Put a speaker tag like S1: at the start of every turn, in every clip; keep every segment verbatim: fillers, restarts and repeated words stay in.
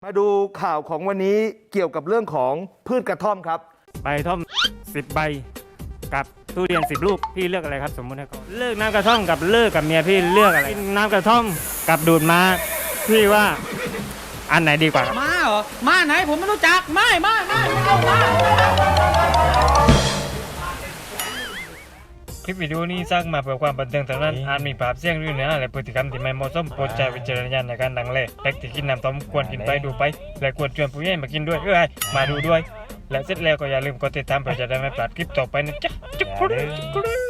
S1: มาดูข่าวของวันนี้เกี่ยวกับเรื่องของพืชกระท่อมครับ
S2: ใบท่อมสิบใบกับทุเรียนสิบลูกพี่เลือกอะไรครับสมมุติให้เขาเลือกน้ำกระท่อมกับเลิกกับเมียพี่เลือกอะไรน้ำกระท่อมกับดูดม้าพี่ว่าอันไหนดีกว่า
S3: ม้าเหรอม้าไหนผมไม่รู้จักไม่ไม่ไม่ไม่เอาม้า
S2: คลิปวิดีโอนี้สร้างมาเพื่อความบันเทิงเท่านั้นอาจมีภาพเสียงหรือเนื้อหาและพฤติกรรมที่ไม่เหมาะสมโปรดใช้วิจารณญาณในการดังเล่เด็กที่กินน้ำต้มควรกินไปดูไปและควรชวนผู้ใหญ่มากินด้วยเอ้ยมาดูด้วยและเสร็จแล้วก็อย่าลืมกดติดตามเพื่อจะได้ไม่พลาดคลิปต่อไปนะจ๊ะจุ๊กครูจุ๊กครู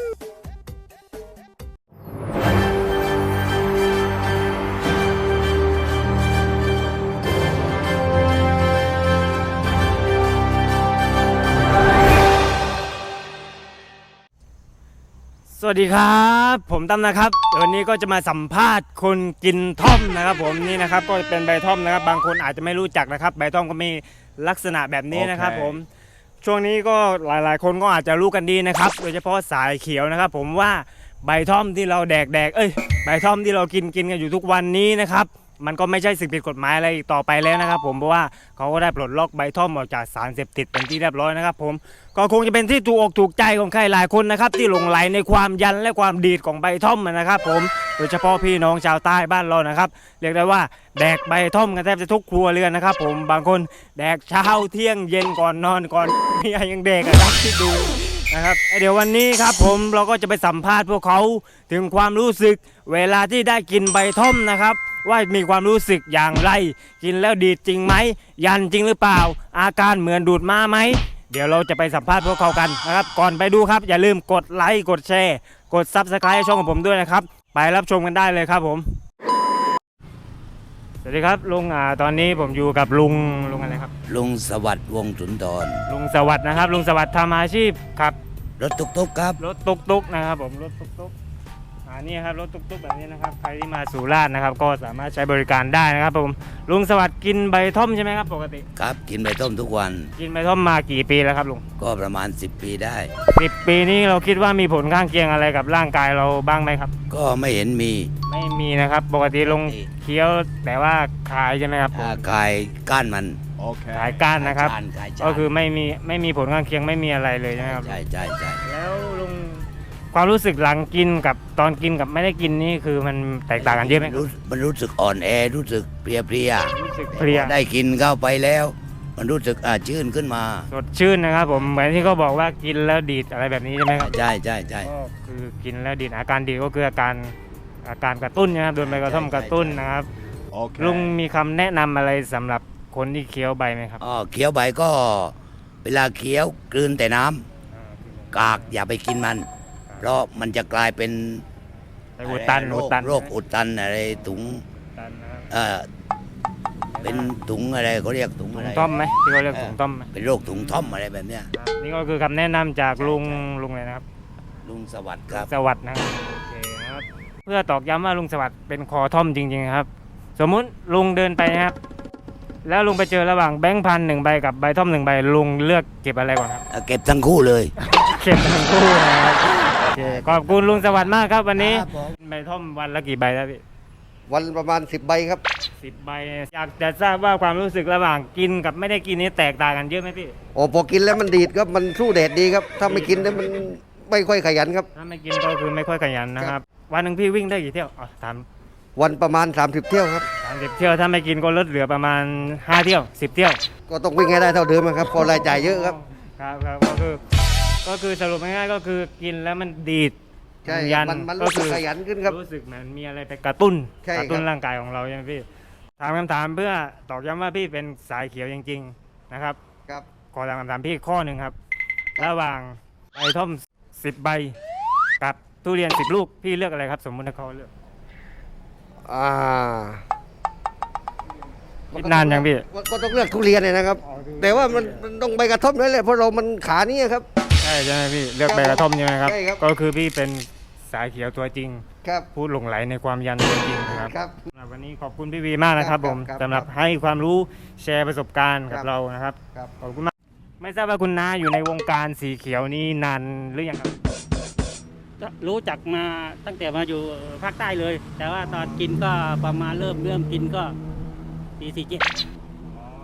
S2: สวัสดีครับผมตั้มนะครับวันนี้ก็จะมาสัมภาษณ์คนกินท่อมนะครับผมนี่นะครับก็เป็นใบท่อมนะครับบางคนอาจจะไม่รู้จักนะครับใบท่อมก็มีลักษณะแบบนี้นะครับ okay. ผมช่วงนี้ก็หลายๆคนก็อาจจะรู้กันดีนะครับโดยเฉพาะสายเขียวนะครับผมว่าใบท่อมที่เราแดกแดกเอ้ยใบท่อมที่เรากินกินกันอยู่ทุกวันนี้นะครับมันก็ไม่ใช่สิ่งผิดกฎหมายอะไรต่อไปแล้วนะครับผมเพราะว่าเขาก็ได้ปลดล็อกใบท่อมออกจากสารเสพติดเป็นที่เรียบร้อยนะครับผมก็คงจะเป็นที่ถูกอกถูกใจของใครหลายคนนะครับที่หลงไหลในความยันและความดีดของใบท่อมนะครับผมโดยเฉพาะพี่น้องชาวใต้บ้านเรานะครับเรียกได้ว่าแดกใบท่อมกันแทบจะทุกครัวเรือนนะครับผมบางคนแดกเช้าเที่ยงเย็นก่อนนอนก่อนเมียยังแดกกันครับที่ดูนะครับเดี๋ยววันนี้ครับผมเราก็จะไปสัมภาษณ์พวกเขาถึงความรู้สึกเวลาที่ได้กินใบท่อมนะครับว่ามีความรู้สึกอย่างไรกินแล้วดีจริงไหมยันจริงหรือเปล่าอาการเหมือนดูดม้าไหมเดี๋ยวเราจะไปสัมภาษณ์พวกเขากันนะครับก่อนไปดูครับอย่าลืมกดไลค์กดแชร์กด ซับสไครบ์ ช่องของผมด้วยนะครับไปรับชมกันได้เลยครับผมสวัสดีครับลุงอ่าตอนนี้ผมอยู่กับลุงลุงอะไรครับ
S4: ลุงสวัสดิ์วงศ์สุนทร
S2: ลุงสวัสดิ์นะครับลุงสวัสดิ์ทำอาชีพครับ
S4: รถตุกๆครับ
S2: รถตุกๆนะครับผมรถตุกๆอ่านี่ครับรถตุกๆแบบนี้นะครับใครที่มาสุราษฎร์นะครับก็สามารถใช้บริการได้นะครับผมลุงสวัสดิ์กินใบท่อมใช่ไหมครับปกติ
S4: ครับกินใบท่อมทุกวัน
S2: กินใบท่อมมากี่ปีแล้วครับลุง
S4: ก็ประมาณสิบปีได้
S2: สิบปีนี้เราคิดว่ามีผลข้างเคียงอะไรกับร่างกายเราบ้างไหมครับ
S4: ก็ไม่เห็นมี
S2: ไม่มีนะครับปกติลงเคี้ยวแต่ว่าคายใช่ไหมครับ
S4: คายก้านมัน
S2: ขายก้านนะครับก็คือไม่มีไม่มีผลข้างเคียงไม่มีอะไรเลยใช่ไหมครับ
S4: ใช่ใช่ใช่
S2: แล้วลุงความรู้สึกหลังกินกับตอนกินกับไม่ได้กินนี่คือมันแตกต่างกันเยอะไหม
S4: มันรู้สึกอ่อนแอรู้สึกเพลียเพลีย
S2: รู้สึกเพลีย
S4: ได้กินเข้าไปแล้วมันรู้สึกอ่าชื่นขึ้นมา
S2: สดชื่นนะครับผมเหมือนที่เขาบอกว่ากินแล้วดีดอะไรแบบนี้ใช่ไหมครับ
S4: ใช่ใช่ใช่
S2: ก็คือกินแล้วดีดอาการดีก็คืออาการอาการกระตุ้นนะครับโดนใบกระท่อมกระตุ้นนะครับลุงมีคำแนะนำอะไรสำหรับคนที่เคี้ยวใบไหมครับ
S4: อ๋อเคี้ยวใบก็เวลาเคี้ยวกลืนแต่น้ำกากอย่าไปกินมันเพราะมันจะกลายเป็น
S2: อุดตัน
S4: โรคโรคอุดตันอะไรถุงเออเป็นถุงอะไรเขาเรียกถุงอะไร
S2: ท่อมไหมที่เขาเรียกถุงท่อม
S4: เป็นโรคถุงท่อมอะไรแบบเนี้ย
S2: นี่ก็คือคำแนะนำจากลุงลุงเลยนะครับ
S4: ลุงสวัสดิ์ครับ
S2: สวัสดิ์นะครับโอเคครับเพื่อตอกย้ำว่าลุงสวัสดิ์เป็นคอท่อมจริงๆครับสมมุติลุงเดินไปนะครับแล้วลุงไปเจอระหว่างแบงค์พันหนึ่งใบกับใบท่อมหนึ่งใบลุงเลือกเก็บอะไรก่อนครับ
S4: เก็บทั้งคู่เลย
S2: เก็บทั้งคู่นะครับโอเคขอบคุณลุงสวัสดิ์มากครับวันนี้ใบท่อมวันละกี่ใบครับพี่
S1: วันประมาณสิบใบครับ
S2: สิบใบอยากจะทราบว่าความรู้สึกระหว่างกินกับไม่ได้กินนี้แตกต่างกันเยอะไหมพี่
S1: โอ้พอกินแล้วมันดีดครับมันสู้แดดดีครับถ้าไม่กินแล้วมันไม่ค่อยขยันครับ
S2: ถ้าไม่กินก็คือไม่ค่อยขยันนะครับวันหนึ่งพี่วิ่งได้กี่เที่ยวอ๋อถาม
S1: วันประมาณสามสิบเที่ยวครับ
S2: สามสิบเที่ยวถ้าไม่กินก็ลดเหลือประมาณห้าเที่ยวสิบเที่ยว
S1: ก็ต้องวิ่งให้ได้เท่าเดิมครับพอรายจ่ายเยอะครับ
S2: ครับครับก็คือก็คือสรุปง่ายๆก็คือกินแล้วมันดีด
S1: ใช่มันมันรู้สึกขยันขึ้นครับ
S2: รู้สึกเหมือนมีอะไรไปกระตุ้นกระตุ้นร่างกายของเราใช่ไหมพี่ถามคำถามเพื่อตอกย้ำว่าพี่เป็นสายเขียวจริงๆนะครับ
S1: ครับ
S2: ขอถามคำถามพี่ข้อหนึ่งครับระหว่างใบท่อมสิบใบกับทุเรียนสิบลูกพี่เลือกอะไรครับสมมุติถ้าเขาเลือก
S1: อ่า
S2: นานยังพี่
S1: ก็ต้องเลือกทุเรียนเลยนะครับแต่ว่ามันมันต้องใบกระท่อมนั่นแหละเพราะเรามันขานี้ครับ
S2: ใช่ใช่ไหมพี่เลือกใบกระท่อมใช่ไหมครับก็คือพี่เป็นสายเขียวตัวจริงพูดหลงไหลในความยันตัวจริงนะครับวันนี้ขอบคุณพี่วีมากนะครับผมสำหรับให้ความรู้แชร์ประสบการณ์กับเรานะครับขอบคุณมากไม่ทราบว่าคุณน้าอยู่ในวงการสีเขียวนี้นานหรือยังครับ
S3: รู้จักมาตั้งแต่มาอยู่ภาคใต้เลยแต่ว่าตอนกินก็ประมาณเริ่มเริ่มกินก็ปีสี่เจ็ด
S2: ป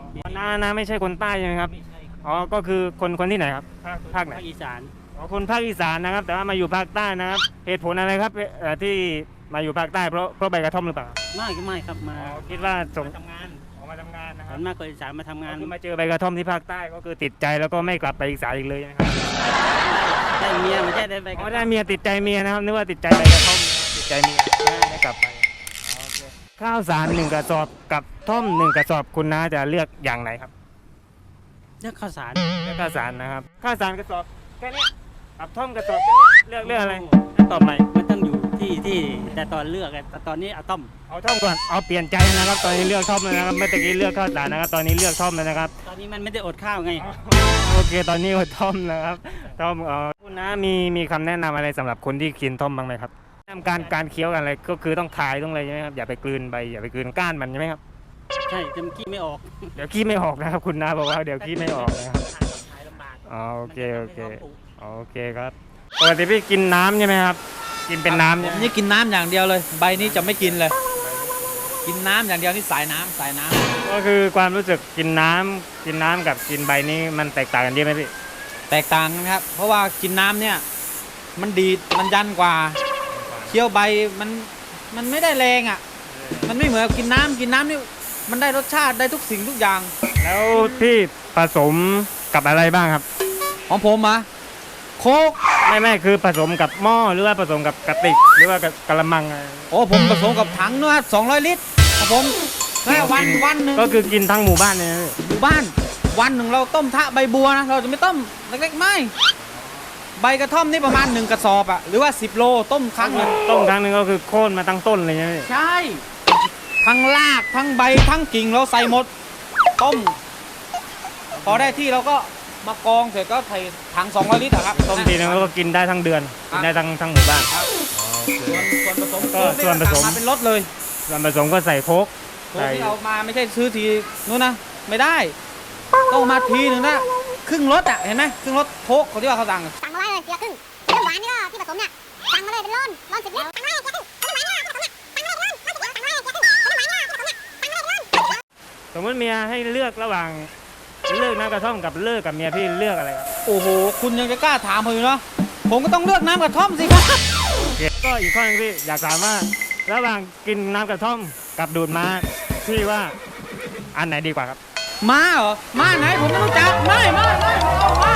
S2: น้าน้าไม่ใช่คนใต้ใช่ไหมครับอ๋อก็คือคนคนที่ไหนครับภาคภาคไหน
S3: ภาคอีสาน
S2: อ๋อคนภาคอีสานนะครับ แต่ว่ามาอยู่ภาคใต้นะครับเหตุผลอะไรครับเอ่อที่มาอยู่ภาคใต้เพราะเพราะใบกระท่อมหรือเปล่า
S3: ไม่ก็ไม่ครับมา
S2: อ๋อคิดว่าส่ง
S3: ทำงาน
S2: ออกมาทำงานนะค
S3: ส่
S2: รั
S3: ว
S2: บ
S3: นมากคนอีสานมาทำงาน
S2: คือมาเจอใบกระท่อมที่ภาคใต้ก็คือติดใจแล้วก็ไม่กลับไปอีสานอีกเลยนะครับ
S3: ได้เมียไม่ใช่ได้ไป
S2: อ๋อได้เมียติดใจเมียนะครับนึกว่าติดใจใบกระท่อมติดใจเมียไม่กลับไปอ๋อโอเคข้าวสารหนึ่งกระสอบกับท่อมหนึ่งกระสอบคุณน้าจะเลือกอย่างไหนครับ
S3: เลือกข้าวสาร
S2: เลือกข้าวสารนะครับข้าวสารกระสอบแค่นี้กับท่อมกระสอบแค่นี้เลือกเลือกอะไรตอบใหม่
S3: มันต้องอยู่ที่ที่แต่ตอนเลือกอะแต่ตอนนี้เอาต้ม
S2: เอาท่อมก่อนเอาเปลี่ยนใจนะครับตอนนี้เลือกท่อมแล้วนะครับเมื่อกี้เลือกข้าวสารนะครับตอนนี้เลือกท่อมแล้วนะครับ
S3: ตอนนี้มันไม่ได้อดข้าวไง
S2: โอเคตอนนี้อดท่อมนะครับท่อมเออคุณน้ามีมีคำแนะนำอะไรสำหรับคนที่กินท่อมบ้างไหมครับแนะนำการการเคี้ยวกันอะไรก็คือต้องคายต้องอะไรใช่ไหมครับอย่าไปกลืนใบอย่าไปกลืนก้านมันใช่ไหมครับ
S3: ใช่จะกี้ไม่ออก
S2: เดี๋ยวขี้ไม่ออกนะครับคุณน้าบอกว่าเดี๋ยวขี้ไม่ออกนะครับ
S3: ขายลำบาก
S2: อ๋อโอเคโอเคโอเคครับปกติพี่กินน้ำใช่ไหมครับกินเป็นน้ำ
S5: ผ
S2: ใช่
S5: ม
S2: ไหม
S5: นี่กินน้ำอย่างเดียวเลย ใบนี้จะไม่กินเลย กินน้ำอย่างเดียวนี่สายน้ำสายน้ำ
S2: ก็คือความรู้สึกกินน้ำกินน้ำกับกินใบนี้มันแตกต่างกันเยอะไหมพี่
S5: แตกต่างกันครับ เพราะว่ากินน้ำเนี่ยมันดีดมันยันกว่าเคี้ยวใบมันมันไม่ได้แรงอ่ะ มันไม่เหมือนกินน้ำกินน้ำนี่มันได้รสชาติได้ทุกสิ่งทุกอย่าง
S2: แล้วพี่ผสมกับอะไรบ้างครับ
S5: ของผมอะโคก
S2: ไม่ไม่คือผสมกับหม้อหรือว่าผสมกับกระติกหรือว่ากับกระมังอะไร
S5: โอ้ผมผสมกับถังเนื้อสองร้อยลิตรครับผมแค่วันวันหนึ่ง
S2: ก็คือกินทั้งหมู่บ้านเลยนะพี่
S5: หมู่บ้านวันหนึ่งเราต้มทะใบบัวนะเราจะไม่ต้มเล็กๆไม่ใบกระท่อมนี่ประมาณหนึ่งกระสอบอะหรือว่าสิบโลต้มครั้งหนึง
S2: ต้มครั้งหนึงก็คือโค่นมาตั้งต้นเลยใช่ไหมพี่
S5: ใช่ทั้งรากทั้งใบทั้งกิ่งเราใส่หมดต้มพอได้ที่เราก็มากองเสร็จก็ใส่ถังสองร้อยลิตรอะครับ
S2: ต้มทีนึงก็กินได้ทั้งเดือนกินได้ทั้งทั้งหมู่บ้าน
S5: ส่วนส่วนผสม
S2: ก็ส่วนผสม
S5: มาเป็นรถเลย
S2: ส่วนผสมก็ใส่โค้ก
S5: โค้กที่เอามาไม่ใช่ซื้อทีนู้นนะไม่ได้ต้องมาทีหนึ่งนะครึ่งรถอะเห็นไหมครึ่งรถโค้กเขาที่ว่าเขาสั่ง
S6: สั่งมาไว้เลยเกลือครึ่งน้ำหวานนี่ก็ที่ผสมเนี่ยสั่งมาเลยเป็นร้อนร้อนสิบลิตรสั่งมาเลยเกลือครึ่งน้ำหวานนี่ก็ที่ผสมเนี่ยสั่งมาเลยเป็นร้อนร้อนสิบลิตรสั่งมาเลยเกลือครึ่งน้ำหวานนี่ก็ที่ผสมเนี่ยสั่งมาเลยเป็นร้อน
S2: สมมติเมียให้เลือกระหว่างเลิกน้ำกระท่อมกับเลิกกับเมียพี่เลือกอะไรครับ
S5: โอ้โหคุณยังจะกล้าถามผมอยู่เนาะผมก็ต้องเลือกน้ำกระท่อมสิครับ
S2: โอเคก็อีกข้อหนึงพี่อยากถามว่าระหว่างกินน้ำกระท่อมกับดูดม้าพี่ว่าอันไหนดีกว่าครับ
S5: มาเหรอมาไหนผมไม่รู้จักไม่ไม่ไม่เอามา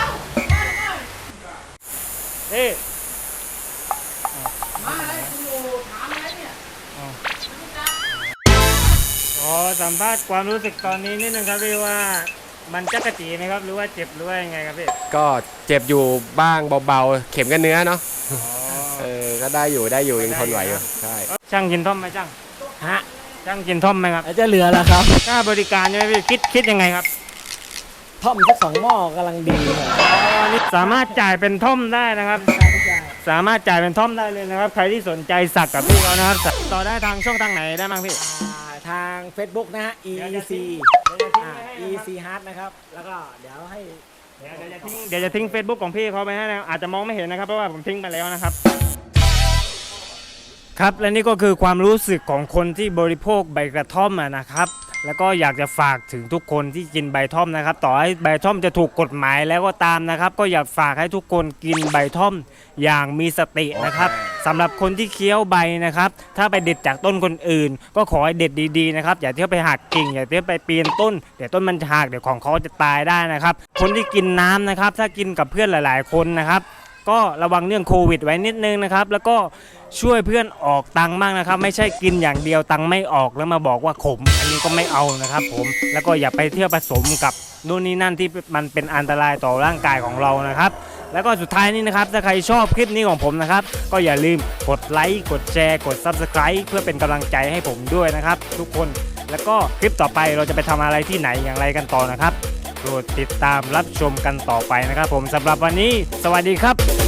S2: พี่
S5: มาอะไรคุณโอ้ถามอะไรเนี่ย
S2: ขอสัมภาษณ์ความรู้สึกตอนนี้นิดนึงครับพี่ว่ามันจักระจีไหมครับหรือว่าเจ็บหรือว่ายังไงครับพี่
S7: ก็เจ็บอยู่บ้างเบาๆ เข็มกับเนื้อเนาะ เออ ก็ได้อยู่ได้อยู่ยังทนไหวอยู่ ใช่
S2: ช่างกินท่อมไหมช่าง
S5: ฮะ
S2: ช่างกินท่อมไหมครับ
S5: จะเหลือแล้วครับ
S2: ค่าบริการใช่ไหมพี่คิดคิดยังไงครับ
S5: ท่อมสักสองหม้อกำลังดีเลย
S2: สามารถจ่ายเป็นท่อมได้นะครับ สามารถจ่ายเป็นท่อมได้เลยนะครับ ใครที่สนใจสักกับพี่เขานะครับต่อได้ทางช่องทางไหนได้บ้างพี่
S8: ทาง Facebook นะฮะ อี ซี อ่า อี ซี Hard นะครับ แล้วก็เดี๋ยวให้
S2: เดี๋ยวจะทิ้งเดี๋ยวจะทิ้ง Facebook ของพี่เขาไปให้นะอาจจะมองไม่เห็นนะครับเพราะว่าผมทิ้งไปแล้วนะครับ ครับและนี่ก็คือความรู้สึกของคนที่บริโภคใบกระท่อมอะนะครับ แล้วก็อยากจะฝากถึงทุกคนที่กินใบท่อมนะครับ ต่อให้ใบท่อมจะถูกกฎหมายแล้วก็ตามนะครับ ก็อยากฝากให้ทุกคนกินใบท่อมอย่างมีสตินะครับสำหรับคนที่เคี้ยวใบนะครับ ถ้าไปเด็ดจากต้นคนอื่น ก็ขอให้เด็ดดีๆนะครับอย่าเที่ยวไปหักกิ่งอย่าเที่ยวไปปีนต้นเดี๋ยวต้นมันจะหักเดี๋ยวของเขาจะตายได้นะครับ คนที่กินน้ำนะครับ ถ้ากินกับเพื่อนหลาย ๆ คนนะครับ ก็ระวังเรื่องโควิดไว้นิดนึงนะครับ แล้วก็ช่วยเพื่อนออกตังค์บ้างนะครับ ไม่ใช่กินอย่างเดียวตังค์ไม่ออกแล้วมาบอกว่าขม อันนี้ก็ไม่เอานะครับผมแล้วก็อย่าไปเที่ยวผสมกับนู่นนี่นั่นที่มันเป็นอันตรายต่อร่างกายของเรานะครับ แล้วก็สุดท้ายนี้นะครับถ้าใครชอบคลิปนี้ของผมนะครับ ก็อย่าลืมกดไลค์กดแชร์กด ซับสไครบ์ เพื่อเป็นกำลังใจให้ผมด้วยนะครับ ทุกคนแล้วก็คลิปต่อไปเราจะไปทำอะไรที่ไหนอย่างไรกันต่อนะครับโปรดติดตามรับชมกันต่อไปนะครับ ผมสำหรับวันนี้ สวัสดีครับ